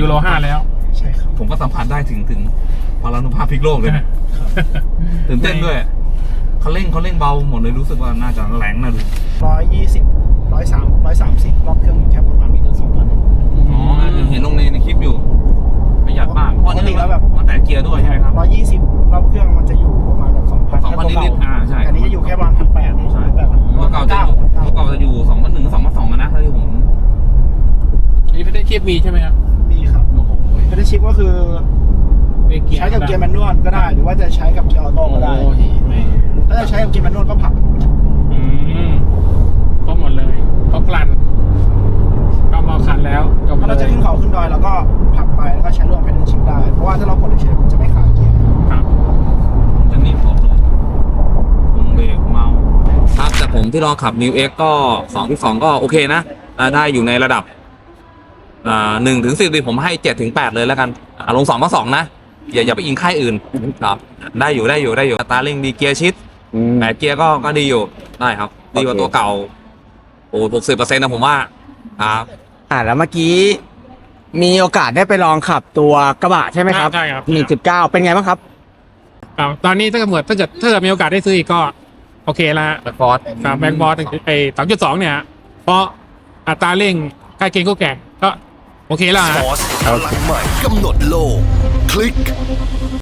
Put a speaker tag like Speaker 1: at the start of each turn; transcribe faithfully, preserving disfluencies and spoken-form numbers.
Speaker 1: โรห้าแล้ว
Speaker 2: ใช่ครับ
Speaker 3: ผมก็สัมผัสได้ถึงถึงพลานุภาพพลิกโลกเลยนะตื่นเต้นด้วยเขาเร่งเขาเร่งเบาหมดเลยรู้สึกว่าน่าจะแรงนะดู
Speaker 2: ร้อยยี่สิบร้อยสามร้อยสามสิบรอบเครื่องแค่ประมาณไม่เกินสองพัน
Speaker 3: อ๋อเห็นลงในในคลิปอยู่ประหยัดมากเพราะนี่แล้วแบบมันแตะเกียร์ด้วยใช่ไหมครับ
Speaker 2: ร้อยยี่สิบรอบเครื่องมันจะอยู่ประมาณแบบสองพัน
Speaker 3: สองพันนิดๆอ่าใช่
Speaker 2: อันนี้จะอยู่แค่ประมาณพันแปดใช่แบบ
Speaker 3: เมื่อเก่าจะอยู่เมื่อเก่าจะอยู่สองพันหนึ่งสองพันสองนะถ้าที่ผม
Speaker 1: นี่ไม่ได้เทียบมีใช่ไหมครับ
Speaker 2: มีครับ
Speaker 3: โอ้โห
Speaker 2: ไม่ได้ชิปก็คือใช้กับเกียร์แมนนวลก็ได้หรือว่าจะใช้กับเกียร์ออโต้ก็ได้ถ้าจะใช้กับเกียร์แมนนวลก็ผัก
Speaker 1: อืมก็หมดเลยก็กลั่นก็มาคันแล้ว
Speaker 2: ถ้าเราจะขึ้นเขาขึ้นดอยเราก็ผักไปแล้วก็ใช้ร่วมเป็นชิปได้เพราะว่าถ้าเรากดเฉยมันจะไม่ขาดเกียร์
Speaker 1: ครับ
Speaker 3: จะนิ่มพอเลยวงเบรกเมาครับแต่ผมที่ลองขับ New X ก็สองที่สองก็โอเคนะได้อยู่ในระดับอ่าหนึ่งถึงสิบผมให้เจ็ดถึงแปดเลยแล้วกันลงสองมาสองนะอย่าอย่าไปอิงค่ายอื่นครับได้อยู่ได้อยู่ได้อยู่ตาเร่งดีเกียร์ชิดแปดเกียร์ก็ก็ดีอยู่ได้ครับดีกว่าตัวเก่าโอ้หกสิบเปอร์เซ็นต์นะผมว่าครับ
Speaker 4: อ่าแล้วเมื่อกี้มีโอกาสได้ไปลองขับตัวกระบะใช่ไหมครับ
Speaker 1: ใช่ครับ
Speaker 4: หนึ่งจุดเก้าเป็นไงบ้างครับ
Speaker 1: ครับตอนนี้ถ้าเกิดถ้าเกิดถ้าเกิดมีโอกาสได้ซื้ออีกก็โอเคละ
Speaker 3: แบ็คบอส
Speaker 1: ครับแบ็คบอสไอ้สามจุดสองเนี่ยเพราะอัตราเร่งใกล้เคียงคู่แข่งก็โอเคแล้วฮะ
Speaker 5: พลังใหม่กำหนดโลกคลิก